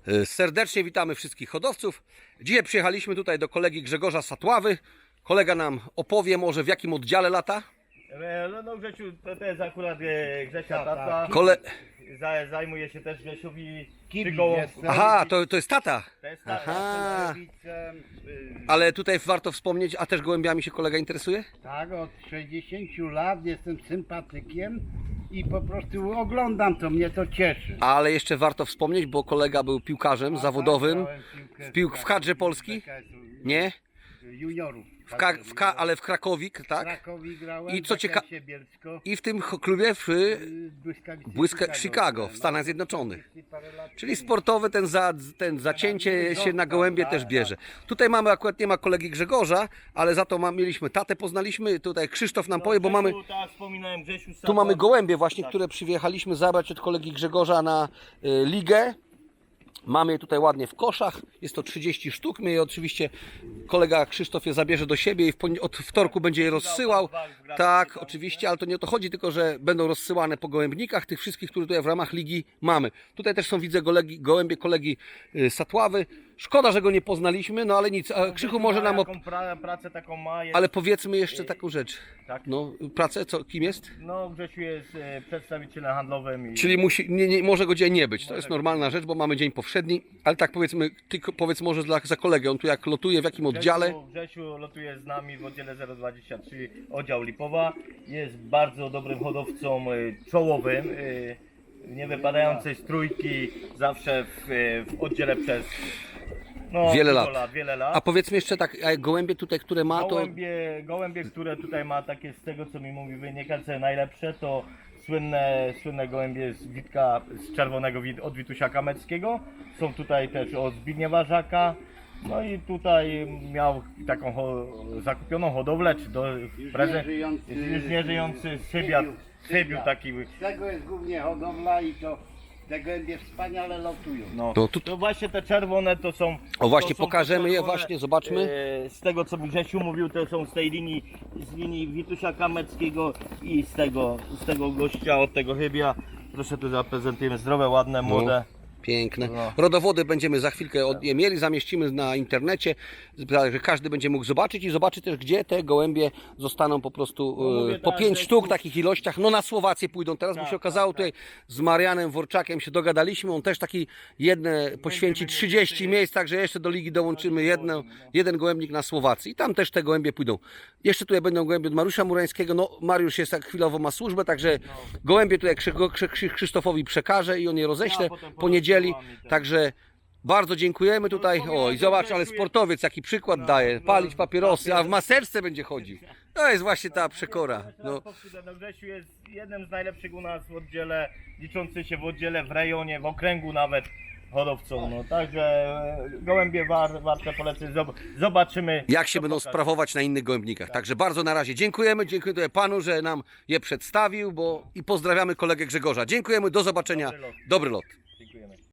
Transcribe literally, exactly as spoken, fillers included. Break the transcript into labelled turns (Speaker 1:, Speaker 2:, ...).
Speaker 1: Serdecznie witamy wszystkich hodowców. Dzisiaj przyjechaliśmy tutaj do kolegi Grzegorza Satławy. Kolega nam opowie może w jakim oddziale lata.
Speaker 2: No, no Grzesiu, to, to jest akurat e, Grzesia tata.
Speaker 1: Kole...
Speaker 2: Za, zajmuje się też Grzesiowi
Speaker 3: Kibic
Speaker 2: przygołą.
Speaker 3: jestem.
Speaker 1: Aha, to, to jest tata.
Speaker 2: To jest tata.
Speaker 1: Aha.
Speaker 3: Kibicem, y,
Speaker 1: Ale tutaj warto wspomnieć, a też gołębiami się kolega interesuje?
Speaker 3: Tak, od sześćdziesięciu lat jestem sympatykiem i po prostu oglądam to, mnie to cieszy.
Speaker 1: Ale jeszcze warto wspomnieć, bo kolega był piłkarzem
Speaker 3: A,
Speaker 1: zawodowym.
Speaker 3: grałem piłkę
Speaker 1: w piłk- w kadrze Polski? Nie?
Speaker 3: Juniorów.
Speaker 1: W Ka w Ka ale w Krakowik,
Speaker 3: W
Speaker 1: tak?
Speaker 3: Krakowi grałem,
Speaker 1: I co cieka-
Speaker 3: Zakresie Bielsko,
Speaker 1: I w tym klubie w
Speaker 3: y, Błyskawicy
Speaker 1: Błyska Chicago w Stanach Zjednoczonych. Czyli sportowy ten, za, ten zacięcie się na gołębie też bierze. Tutaj mamy, akurat nie ma kolegi Grzegorza, ale za to ma, mieliśmy tatę, poznaliśmy, tutaj Krzysztof nam powie, bo mamy,
Speaker 2: Tak jak wspominałem, Grzesiu
Speaker 1: tu mamy gołębie właśnie, które przyjechaliśmy zabrać od kolegi Grzegorza na y, ligę. Mamy je tutaj ładnie w koszach, jest to trzydzieści sztuk, my je oczywiście, kolega Krzysztof je zabierze do siebie i w poni- od wtorku będzie je rozsyłał. Tak, oczywiście, ale to nie o to chodzi, tylko że będą rozsyłane po gołębnikach, tych wszystkich, które tutaj w ramach ligi mamy. Tutaj też są, widzę, golegi, gołębie kolegi y, Satławy. Szkoda, że go nie poznaliśmy, no ale nic, a Krzychu może nam... Op-
Speaker 2: Jaką pra, pracę taką ma. Jest,
Speaker 1: ale powiedzmy jeszcze taką rzecz.
Speaker 2: Tak.
Speaker 1: No, pracę, co, kim jest?
Speaker 2: No Grzesiu jest e, przedstawicielem handlowym. I...
Speaker 1: Czyli musi, nie, nie, może go dzisiaj nie być. To jest normalna rzecz, bo mamy dzień powszedni. Ale tak powiedzmy, ty ko- powiedz może dla, za kolegę, on tu jak lotuje, w jakim oddziale?
Speaker 2: Grzesiu, Grzesiu lotuje z nami w oddziale zero dwadzieścia trzy, oddział Lipowa. Jest bardzo dobrym hodowcą e, czołowym. e, Nie wypadającej z trójki, zawsze w, e, w oddziale przez no,
Speaker 1: Wiele
Speaker 2: dużo
Speaker 1: lat.
Speaker 2: wiele lat.
Speaker 1: A powiedzmy jeszcze tak, a gołębie tutaj, które ma, to
Speaker 2: Gołębie, gołębie, które tutaj ma takie, z tego co mi mówi wynikające najlepsze, to słynne, słynne gołębie z Witka, z czerwonego wit, od Witusia Kameckiego. Są tutaj też od Zbigniewa Żaka. No i tutaj miał taką ho, zakupioną hodowlę, czy do prezent,
Speaker 3: nieżyjący-
Speaker 2: już nieżyjący Sybiat, Sybiu taki.
Speaker 3: Z tego jest głównie hodowla i to te gołębie wspaniale lotują.
Speaker 2: No,
Speaker 1: To tu-
Speaker 2: to właśnie te czerwone to są...
Speaker 1: O, właśnie,
Speaker 2: to są
Speaker 1: pokażemy je,
Speaker 2: czerwone,
Speaker 1: właśnie, zobaczmy.
Speaker 2: e, Z tego co mi Grzesiu mówił, to są z tej linii, z linii Witusia Kameckiego i z tego, z tego gościa, od tego chybia. Proszę tu zaprezentujemy zdrowe, ładne, młode.
Speaker 1: piękne.
Speaker 2: No.
Speaker 1: Rodowody będziemy za chwilkę od je mieli, zamieścimy na internecie, tak, że każdy będzie mógł zobaczyć i zobaczy też, gdzie te gołębie zostaną po prostu
Speaker 2: No mówię
Speaker 1: e, po
Speaker 2: tak,
Speaker 1: pięć
Speaker 2: że
Speaker 1: sztuk
Speaker 2: tu-
Speaker 1: w takich ilościach. No na Słowację pójdą teraz, bo
Speaker 2: Tak,
Speaker 1: się okazało
Speaker 2: tak,
Speaker 1: tutaj z Marianem Worczakiem się dogadaliśmy, on też taki jedne poświęci
Speaker 2: będzie
Speaker 1: trzydzieści
Speaker 2: mieć-
Speaker 1: miejsc, także jeszcze do ligi dołączymy jedno, jeden gołębnik na Słowacji i tam też te gołębie pójdą. Jeszcze tutaj będą gołębie od Mariusza Murańskiego, no Mariusz jest tak chwilowo ma służbę, także gołębie tutaj Krzy- Krzy- Krzy- Krzysztofowi przekaże i on je roześle
Speaker 2: Ja potem
Speaker 1: po niedzieli,
Speaker 2: podsyłam i tak.
Speaker 1: także bardzo dziękujemy tutaj. O, i zobacz, ale sportowiec jaki przykład daje. Palić papierosy, a w maseczce będzie chodził. To jest właśnie ta przekora. No,
Speaker 2: No, Grzesiu jest jednym z najlepszych u nas w oddziale, liczący się w oddziale, w rejonie, w okręgu nawet hodowcą. No, także e, gołębie war, warte polecenia. Zob- Zobaczymy.
Speaker 1: jak się
Speaker 2: co
Speaker 1: będą
Speaker 2: pokaże.
Speaker 1: sprawować na innych gołębnikach. Także bardzo na razie dziękujemy. Dziękuję tutaj panu, że nam je przedstawił, bo i pozdrawiamy kolegę Grzegorza. Dziękujemy, do zobaczenia.
Speaker 2: Dobry lot.
Speaker 1: Dobry lot.